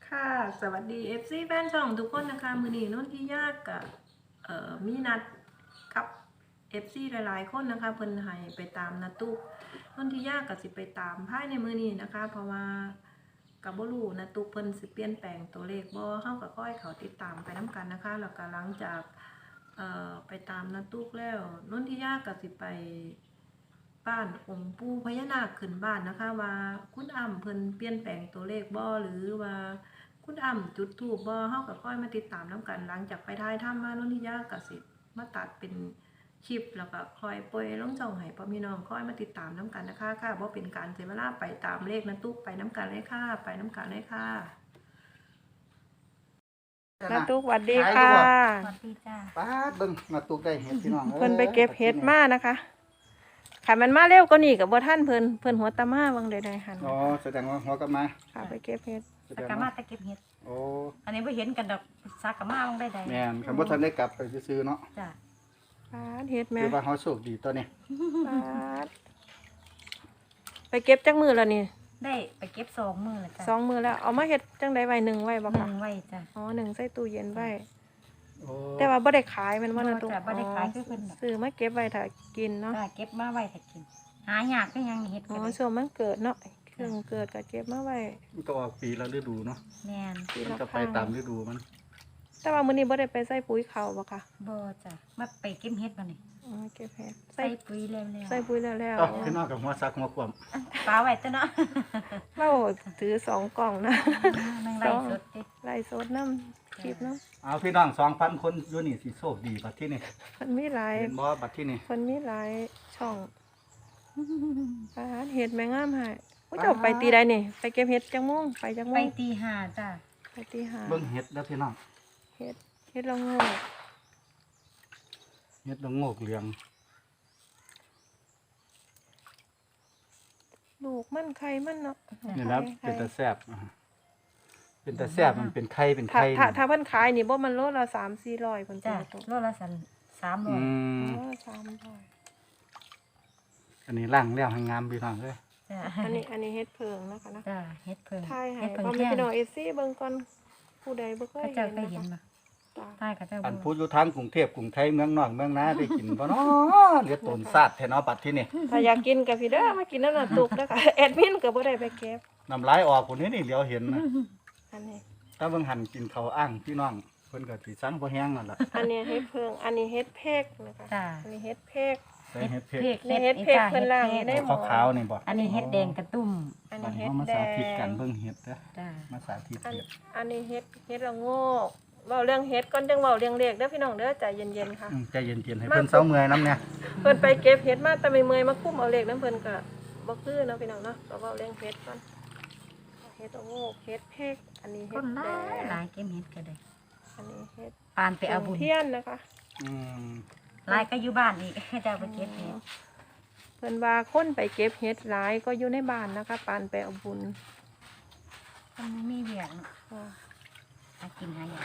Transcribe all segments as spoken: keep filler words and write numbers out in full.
ค่ะสวัสดี เอฟ ซี แฟนช่องทุกคนนะคะมือนี้นุ่นที่ยากกับเอ่อมีนัดกับ เอฟ ซี หลายๆคนนะคะเพิ่นให้ไปตามนาตุกนุ่นที่ยากกับสิไปตามภายในมือนี้นะคะเพราะว่ากับบ่รู้นาตุกเพิ่นสิเปลี่ยนแปลงตัวเลขบ่เฮาก็ค่อยเขาติดตามไปน้ำกันนะคะแล้วก็หลังจากเอ่อไปตามนาตุกแล้วนุ่นที่ยากกับสิไปบ้านองค์ปู่พญานาคขึ้นบ้านนะคะว่าคุณอ้ำเพิ่นเปลี่ยนแปลงตัวเลขบ่หรือว่าคุณอ้ำจุดธูปบ่เฮาก็ค่อยมาติดตามน้ำกันหลังจากไปถ่ายทำมานุ่นที่ยากก็สิมาตัดเป็นคลิปแล้วก็คอยปล่อยลงช่องให้พ่อพี่น้องค่อยมาติดตามน้ำกันนะคะค่ะบ่เป็นการเสียเวลาไปตามเลขนาตุกไปน้ำกันเลยค่ะไปน้ำกันเลยค่ะนาตุกสวัสดีค่ะสวัสดีจ้าป้าดเบิ่งมาตุกได้เห็ดพี่น้องเพิ่นไปเก็บเห็ดมานะคะค่ะมันมาเร็วก็นี่กับบ่ท่านเพิ่นเพิ่นหัวตามาบางใดๆหันอ๋อแสดงว่าหัวกลับมาค่ะไปเก็บเห็ดแสสัดกงกะมาว่าตะเก็บเห็ดโอ้อันนี้ไม่เห็นกันดอกสักกะมาบ้างได้ใดแม่นคำว่าท่านได้กลับไปซื้อๆเนาะจ้าปาดเห็ดแม่คือว่าเฮาโชคดีตัวนี้ปาดไปเก็บจักมือแล้วนี่ได้ไปเก็บสองมือแล้วจ้าสองมือแล้วเอามาเฮ็ดจังไดไว้หนึ่งไว้บ่หคะนึ่งไว้จ้าอ๋อหนึ่งใส่ตู้เย็นไว้โอ้แต่ว่าบ่ได้ขายแมันบ่นะบ่ตุ๊กจ้ะบ่ได้ขายคือเพิ่นน่ะซื้อมาเก็บไว้ถ้ากินเนาะจ้าเก็บมาไว้ถ้ากิน หายากก็ยังเห็ดอ๋กัอนเลยช่วงมันเกิดเนาะเครื่องเกิดก็เก็บมาไว้มันก็ออกปีละฤดูเนาะแม่นปีมันละก็คไปรั้งตามฤดูมันแต่ว่ามื้อนี้บ่ได้ไปใส่ปุ๋ยเขาบ่ค่ะบ่จ้ามาไปเก็บเห็ดมานี่อ๋อเก็บเห็ดใส่ใส่ปุ๋ยแล้วแล้วใส่ปุ๋ยแล้วแล้วเอ้าพี่น้องกับหัวซักหัวควมปลาไว้ตัวเนาะเราถือสองกล่องนะนั่งไล่สดติไล่สดน้ำคลิปน้เอาพี่น้องสองพันคนอยู่นี่สิโชคดีบัดที่นี่ำมันมีหลายเห็นบ่บัดที่นี่คนมีหลายช่องอาหารเห็ดแมงงามให้ผู้เจ้าไปตีได้นี่ ไปเก็บเห็ดจังโมงไปจังโมไปงตีห้าจ้าไปตีหาเบิ่งเห็ดเด้อพี่น้องเห็ดเห็ดละโงกเห็ดละโงกเหลืองลูกมันไข่มันเนาะนี่แล้วไข่เป็นตาแซ่บอ่าเป็นตาแซ่บมันเป็นไข่เป็นถ้าไข่ถ้านี่ถ้าเพิ่นขายนี่บ่มันโลละสามสี่ร้อยคนจ้าตัวโลละสันสามร้ออืยมอ๋อสามร้อยอันนี้ล่างแล้วให้งามพี่น้องเอ้ยจ้าอันนี้อันนี้เห็ดเพิงนะคะนะจ้าเห็ดเพิ่งทายให้เห็ดเพิ่งพ่อแม่แค่พี่น้องเอซี่เบิ่งก่อนผู้ใดบ่เคยก็เห็จะนไปเห็นนะคะมาจ้ะใต้กับเจ้าอันบัพูวดอยู่ทางกรุงเทพกรุงไทยเมืองนอกเมืองนาได้กินบ่เนาะเหลือตนซาดแท้เนาะบัดที่นี่ถ้าอยากกินกับพี่เด้อมากินน้ำน้ำตุกนะคะ แอดมินก็บ่ได้ไปเก็บน้ำลายออกคนนี้นี่เหลียวเห็นนะอันนี้ถ้าเบิ่งหันกินข้าวอ้างพี่น้องเพิ่นก็สิสั่งบ่แห้งนั่นล่ะอันนี้เฮ็ดเพิง อันนี้เฮ็ดเพกนะคะจ้าอันนี้เฮ็ดเพกใส่เห็ดเผ็ดนี่เฮ็ดเพกเพิ่นล่างได้หมขาวๆนี่บ่อันนี้เฮ็ดแดงกระตุ้มอันบันี้ดนี้เฮ็ดเฮามาแดสาธิตกันงเบิ่งเห็ดเด้อจ้ามาสาธิตอันเห็ดอันนี้เฮ็ดเฮ็ดละโงกเว้าเรื่องเฮ็ดก่อนจังเว้าเรื่องเลขเด้อพี่น้องเด้อใจเย็นๆค่ะอืมใจเย็นๆให้เพิ่นเซาเมื่อยนำเนี่ยเพิ่นไปเก็บเฮ็ดมาแต่ไม่เมื่อยมาคุ้มเอาเลขนำเพิ่นก็บ่คือเนาะพี่น้องเนาะก็เว้าเรื่องเฮ็ดก่อนเฮ็ดละโงกเฮ็ดเพกอันนี้คเฮ็ดนหแดลายงหลายเก็บเฮ็ดก็ได้อันนี้เฮ็ดปานไปเอาบุญเทียนนะคะอืมหลายก็อยู่บ้านอีก ให้เจ้าไปเก็บเฮ็ดเพิ่นว่าคนไปเก็บเห็ดหลายก็อยู่ในบ้านนะคะปานไปเอาบุญมันมีเวียกเนาะอ่าหากินหายาก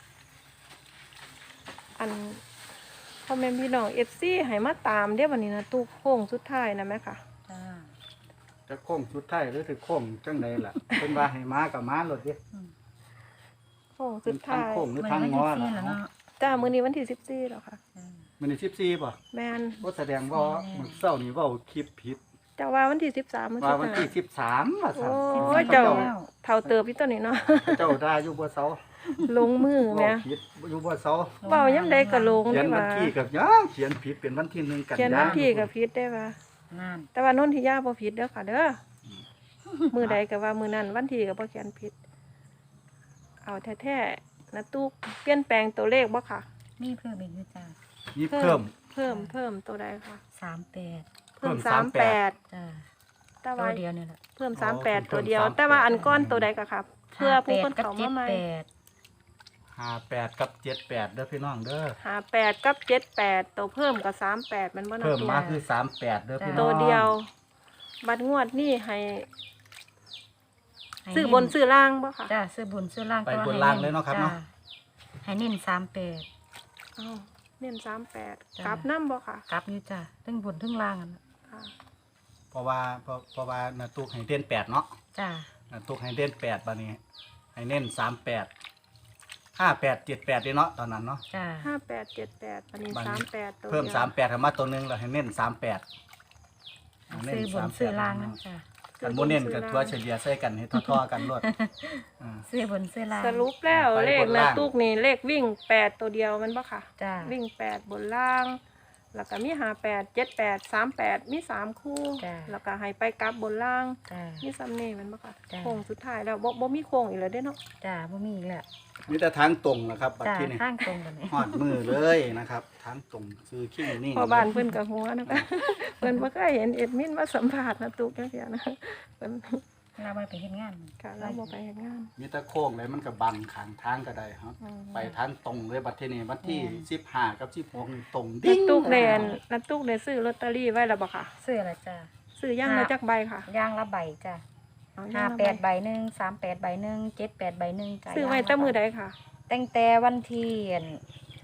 อันพ่อแม่พี่น้องเอฟซีให้มาตามเด้อวันนี้นะตู้โค้งสุดท้ายนะแม่ค่ะจ้าจะโค้งสุดท้ายหรือสิโค้งจังไดล่ะเพิ่นว่าให้มาก็มาโลดเด้อืมโค้งสุดท้ายโค้งหรือมันทางไม่งอได้ล่ะเสียแล้วเนาะจ้ามื้อนี้วันที่สิบสี่แล้วค่ะจ้ามันนี่สิบสี่ป่ะแม่นบ่แสดงว่ามื้อเช้านี่เว้าคลิปผิดเจ้าว่าวันที่สิบสามมื้อว่าสุดวันท้ายที่สิบสามว่าซั่นโอ้ยเจ้า เท่าเติบพี่ตัวนี้เนาะเจ้าได้อยู่บ่เซาลงมือเว้าแม่ผิดอยู่บ่เซาเว้ายามใดก็ลงเขียนนี่วันว่าที่กับยังเขียนผิดเป็นวันที่หนึ่งกันเขียนยาวันที่ก็ผิดได้ว่านั่นแต่ว่านนทิยาบ่ผิดเด้อค่ะเด้อมื้อใดก็ว่ามื้อนั้นวันที่ก็บ่เขียนผิด เอาแท้ๆนะตู้เปลี่ยนแปลงตัวเลขบ่ค่ะมีเพิ่มอีกอยู่จ้านี่เพิ่มเพิ่มเพิ่มตัวใดคะสามแปดเพิ่มเพิ่มสามแปดจ้าแต่ตัว่าวเดียวนี่แหละเพิ่มอ๋อสามแปดเพิ่มตัวเดียวสามแปดแต่ว่าอันก้อนตัวใดก็ครับ เพื่อผู้คนกับเขาเจ็มาดใหม่แปดห้าแปดกับเจ็ดแปดเด้อพี่น้องเด้อหาแปดกับเจ็ดแปดตัวเพิ่มกับสามแปดมันบ่นะเพิ่มตัวมาคือสามแปดเด้อพี่น้องตัวเดียว บัตรงวดนี่ให้ให้ซื้อบนซื้อล่างบ่ค่ะจ้าซื้อบนซื้อล่างไปแต่ว่บนให้ล่างเลยเนาะครับเนาะจ้ให้เน้นสามแปดอ้าวเน้นสามแปดจ้ะกลับน้ำบ่ค่ะกลับอยู่จ้าทั้งบนทั้งล่างอะนะค่ะเพราะว่าเพราะเพราะว่านาตุกให้เด่นแปดเนาะจ้านาตุกให้เด่นแปดบัดนี้ให้เน้นสามแปดห้าแปดเจ็ดแปดเนาะตอนนั้นเนาะจ้าห้าแปดเจ็ดแปดอันนี้บัดนี้สามแปดตัวเพิ่มดียวสามแปดเข้ามาตัวหนึงแล้วให้เน้นสามแปดซื้อบนซื้อล่างนั่นจ้ากันโมเน้นกับตัวเฉลี่ยใส่กันให้ทั่วๆกันรวดอ่าซื้อบนซื้อล่างสรุปแล้วไปเลบขนนะล่างตุกนี่เลขวิ่งแปดตัวเดียวมันปะค่ะจ้าวิ่งแปดบนล่าง แล้วก็มีหาแปดเจ็ดแปดสามแปดมีสามคู่จ้ะแล้วก็ให้ไปกลับบนล่างจ้ามีซัมเน่แมันปะค่ะจ้ะโค้งสุดท้ายแล้วบ่บ่มีโค้งอีกแล้วเด้เนาะจ้าบ่มีอีกแล้วมีแต่ทางตรงนะครับบัดจ้าที่นี่ข้างตรงกันนี่หอดมือเลยนะครับทางตรงซื้อขี้นี่พอบ้านเพิ่นกับหัวนะคะ เพิ่นบ่เคยเห็นเอ็ดมินมาสัมภาษณ์นะตุกจังซี่นะเพิ่นเราไปเฮ็ดงานค่ะเราบ่ไปเฮ็ดงานมีแต่โค้งเลยมันก็บังขางทางก็ได้ครับอืมไปทางตรงเลยบัดที่นี่วันที่สิบห้ากับสิบหกนี่ตรงนัดิ้ดงตุกเดนนัดตุกได้ซื้อลอตเตอรี่ไว้แล้วบ่ค่ะซื้ออะไรจ้าซื้อย่างละจักใบค่ะย่างละใบจ้าเอห้าย่งละแปดใบหนึ่งสามแปดใบหนึ่งเจ็ดแปดใบหนึ่งจ้าซื้อไว้แต่มื้อใดค่ะตั้งแต่วันที่อั่น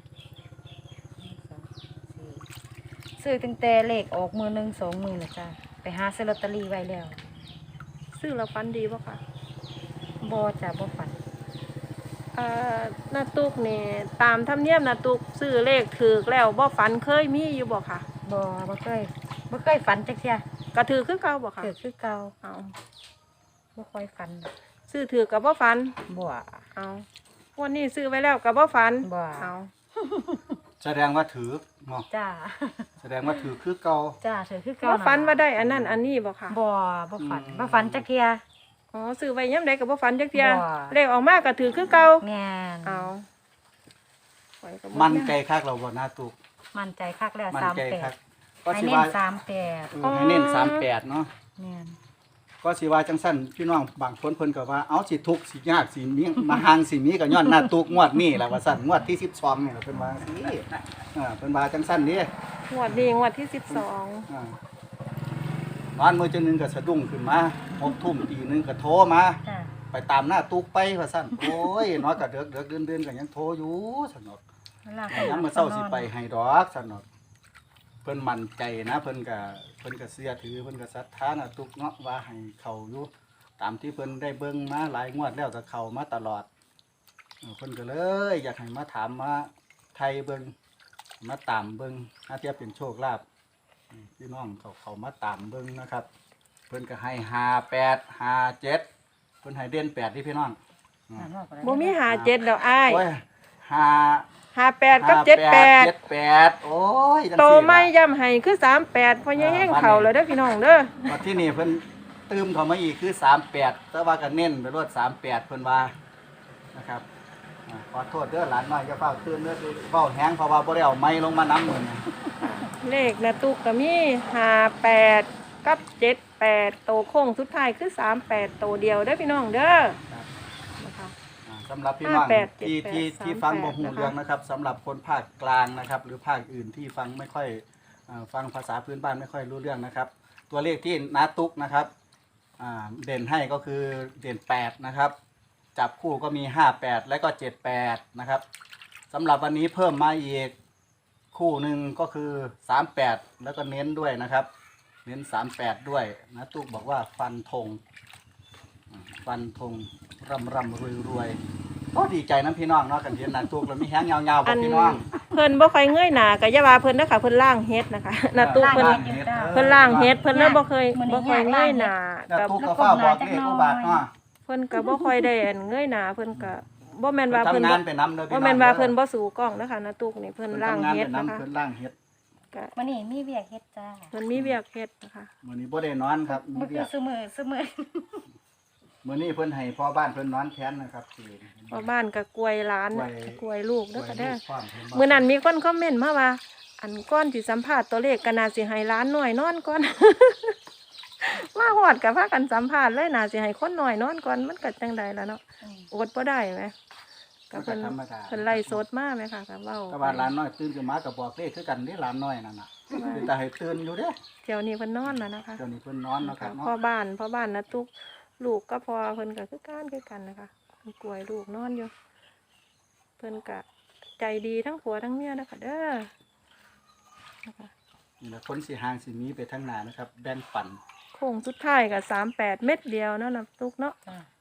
ซื้อตั้งแต่เลขออกมือหนึ่งสองมือเลยจ้าไปหาซื้อลอตเตอรี่ไว้แล้วซื้อแล้วฟันดีบ่ค่ะบอจ้าบ่ฝันเอ่อนาตุกนี่ตามธรรมเนียมนาตุกซื้อเลขถูกแล้วบ่ฝันเคยมีอยู่บ่ค่ะบอบ่เคยบ่เคยฝันจักเที่ยก็ถือคือเก่าบ่ค่ะเกิดคือเก่าเอาบ่ค่อยฝันซื้อถือก็บ่ฝันบ่เอาวันนี้ซื้อไว้แล้วก็บ่ฝันบ่เอาแสดงว่าถือเนาะจ้าแสดงว่าถือคือเก่าจ้าเถือคือเก่าบ่นั่นฝันว่าล่ะได้อันนั้นอันนี้บ่ค่ะบ่บ่ฝันอืมบ่ฝันจักเที่ยอ๋อซื้อไว้ยามใดก็บ่ฝันจักเที่ยบ่เลขออกมาก็ถือคือเก่าแม่นเอาข้อยก็บ่มันใจคักเราบ่หน้าตุกมั่นใจคักแล้วมันใจคักสามแปดก็ให้สิเน้นว่าสามแปดเออให้เน้นสามแปดเนาะแม่นก็สิว่าจังสั้นพี่น้องบางคนเพิ่นก็ว่าเอาสิทุกข์สิยากสิมีมาหางสิมีก็ย้อนหน้าตุกงวดนี้แหละว่าซั่นงวดที่สิบสองนี่ล่ะเพิ่นว่าสิอ่าเพิ่นว่าจังสั้นนี่งวดนี้งวดที่สิบสองอ่าตอนมื้อจังหนึงก็สะดุ้งขึ้นมาหกทุ่มตีหนึงก็โทรมาจ้าไปตามหน้าตุกไปว่าซั่นโอ้ยน้อยก็เดือกเดือกเดือนๆก็ยังโทรอยู่ซั่นเนาะเวลาแต่ยังมื้อเช้าสิไปให้ดอกซั่นเนาะเพิ่นมั่นใจนะเพิ่นก็เพิ่นก็เชื่อถือเพิ่นก็ศรัทธาหน้าตุกเนาะว่าให้เข้าอยู่ ตามที่เพิ่นได้เบิ่งมาหลายงวดแล้วก็เข้ามาตลอดเออเพิ่นก็เลย อยากให้มาถามมาไทยเบิ่งมาตามเบิ่งถ้าเทียบเป็นโชคลาภอืมพี่น้องเขาเขามาตามเบิ่งนะครับ เพิ่นก็ให้ห้าแปดห้าเจ็ดเพิ่นให้เด่นแปดที่พี่น้องอืมบ่มีหาเจ็ดดอกอ้ายโอ้ยห้าหาแปดกับเจ็ดแปดเจ็ดแปดโอ้ยจังโตซี่ล่ะไม่ย่ำให้คือสามแปดพอแห้งเข่าแล้วเด้อพี่น้องเด้อมาที่นี่เพิ่นตืมเข้ามาอีกคือสามแปดแต่ว่าก็เน้นไปรวดสามแปดเพิ่นว่านะครับอ่าขอโทษเด้อหลานน้อยอย่าเฝ้าตื่นเด้อคือเฝ้าแห้งเพราะว่าบ่ได้เอาไม้ลงมาน้ำมือนี่เลขนะตุกก็มีห้าแปดกับเจ็ดแปดโตโค้งสุดท้ายคือสามแปดโตเดียวเด้อพี่น้องเด้อครับนะคะอ่าสำหรับพี่น้องห้าแปดที่เจ็ดแปดที่ที่ฟังบ่ฮู้สามแปดเรื่องนะครับสำหรับคนภาคกลางนะครับ หรือภาคอื่นที่ฟังไม่ค่อยอ่าฟังภาษาพื้นบ้านไม่ค่อยรู้เรื่องนะครับ ตัวเลขที่นาตุกนะครับอ่าเด่นให้ก็คือเด่นแปดนะครับ จับคู่ก็มีห้าแปดและก็เจ็ดแปดนะครับสำหรับวันนี้เพิ่มมาอีกคู่หนึ่งก็คือสามแปดแล้วก็เน้นด้วยนะครับ เน้นสามแปดด้วยนะตุ๊กบอกว่าฟันธงอ่าฟันธงร่ำร่ำรวยรวยโอ้ดีใจน้ำพี่น้องเนาะกันเทียนนะตุ๊กเรามีแห้งยาวๆบอัอกนพี่น้องเพิ่นบ่ค่อยเงยหน้าก็อย่าว่าเพิ่นเด้อค่ะเพิ่นล่างเฮ็ดนะคะนะตุกเพิ่นล่างเฮ็ดเพิ่นล่างเฮ็ดเพิ่นเลยบ่เคยบ่ค่อยเงยหน้าแล้วกับตุ๊กก็เฝ้าบอกเลขผู้บาทเนาะเพิ่นก็บ่ค่อยได้อันเงยหน้าเพิ่นก็บ่แม่นเพิ่ว่าน เพิ่นทำบ่งานไปน้ำเลยพี่บ่น้องแม่นว่าเพิ่นบ่สู่กล้องนะคะนะตุกนี่เพิ่นเพิ่นล่างทำงานเฮ็ไปดนะคะน้ำเพิ่นล่างเฮ็ดก็วันนี้มีเวียกเฮ็ดจ้าเพิ่นมีเวียกเฮ็ดนะคะมื้อนี้บ่ได้นอนครับมีบ่คืเรีอยกซุมื้อซุมื้อมื้อนี้เพิ่นให้พ่อบ้านเพิ่นนอนแทนนะครับสิเพราะบ้านก็กล้วยหลานกล้วยกล้วยลูกเด้อค่ะเด้อความเพิ่ว่ามื้อนั้นมีคนคอมเมนต์มาว่า อันก้อนสิสัมภาษณ์ตัวเลขก็น่าสิให้หล้านหน่อยนอนก่อน มาฮอดก็พากันสัมภาษณ์เลยน่าสิให้คนหน่อยนอนก่อนมันก็จังไดล่ะเนาะอืมอดบ่ได้แหมก็เพิ่นธรรมดาเพิ่นไล่สดมาแหมค่ะก็เว้าก็ว่าหลานน้อยตื่นขึ้นมาก็บอกเลขคือกันเด้หลานน้อยนั่นน่ะคือแต่ให้ตื่นอยู่เด้เที่ยวนี้เพิ่นนอนแล้วนะคะเดี๋ยวนี้เพิ่นนอนเนาะครับพ่อเนาะบ้านพ่อบ้านนะตุกลูกก็พอเพิ่นก็คือกันคือกันนะคะเพิ่นกล้วยลูกนอนอยู่ เพิ่นก็ใจดีทั้งผัวทั้งเมียนะคะเด้อนะคะนี่แหละคนสิหางสิมีไปทางหน้านะครับ แบ่งปันโค้งสุดท้ายกับสามแปดเม็ดเดียวเนาะนะตุกเนาะจ้า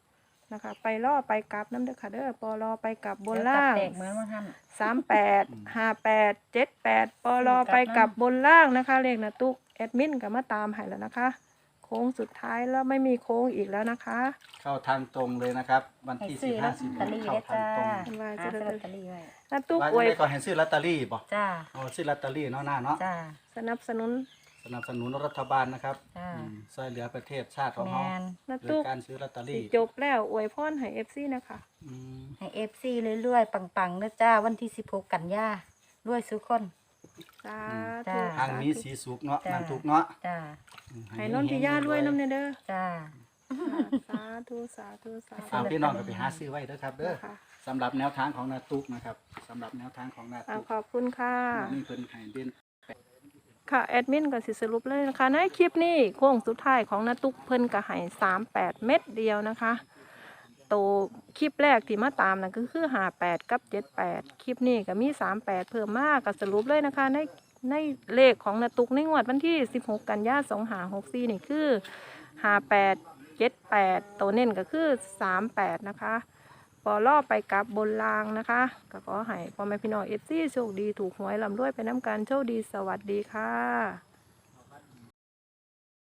นะคะ ไปล่อไปกลับน้ำเด้อค่ะเด้อปอลอไปกลับบนเดี๋ยวล่างตัดแตกเหมือนว่าท่านสามแปดห้าแปดเจ็ดแปดปอลอไปกลับบนล่างนะคะเลขนะตุกแอดมินก็มาตามให้แล้วนะคะ โค้งสุดท้ายแล้วไม่มีโค้งอีกแล้วนะคะเข้าทางตรงเลยนะครับ วันให้ที่ซื้สิอบ ลห้าอตสิบเตอรี่เข้าได้ทางจ้าตรงว่าหาจะซื้อลอตเตอรี่ไว้นะตุกว่าอวยจะได้ก็ให้ซื้อลอตเตอรี่บ่จ้าอ๋อซื้อลอตเตอรี่เนาะหน้าเนาะจ้าสนับสนุนสนับสนุนรัฐบาลนะครับจ้าอืมช่วยเหลือประเทศชาติของแมเรานนะโดตุยกการซื้อลอตเตอสิรี่จบแล้วอวยพรให้เอฟซีนะคะอืมให้เอฟซีเรื่อยๆ ปังๆนะจ้า วันที่สิบหกกันยารวยสุกคนสาจ้าธุทางนี้สีสุกเนาะจ้ะนันทุกเนาะจ้าอืมให้นนทิยาด้วยน้ำเนเด้อจ้าสาธุสาธุสาธุเอาพี่น้องก็ไปหาซื้อไว้เด้อครับเด้อนะคะสำหรับแนวทางของนาตุกนะครับสำหรับแนวทางของนาอ่าตุกขอบคุณค่ะนี่เพิ่นให้เด่นค่ะแอดมินก็สิสรุปเลยนะคะในคลิปนี้โค้งสุดท้ายของนาตุกเพิ่นก็ให้สามแปดเม็ดเดียวนะคะโตคลิปแรกที่มาตามนั่นก็คือห้าแปดกับเจ็ดแปดคลิปนี้ก็มีสามแปดเพิ่มมากก็สรุปเลยนะคะในในเลขของนาตุกในงวดวันที่สิบหกกันยายนสองห้าหกสี่นี่คือห้าแปดเจ็ดแปดตัวเน้นก็คือสามแปดนะคะปอล่อไปกับบนรางนะคะก็ขอให้พ่อแม่พี่น้องเอฟซีโชคดีถูกหวยลำด้วยไปน้ำกันโชคดีสวัสดีค่ะ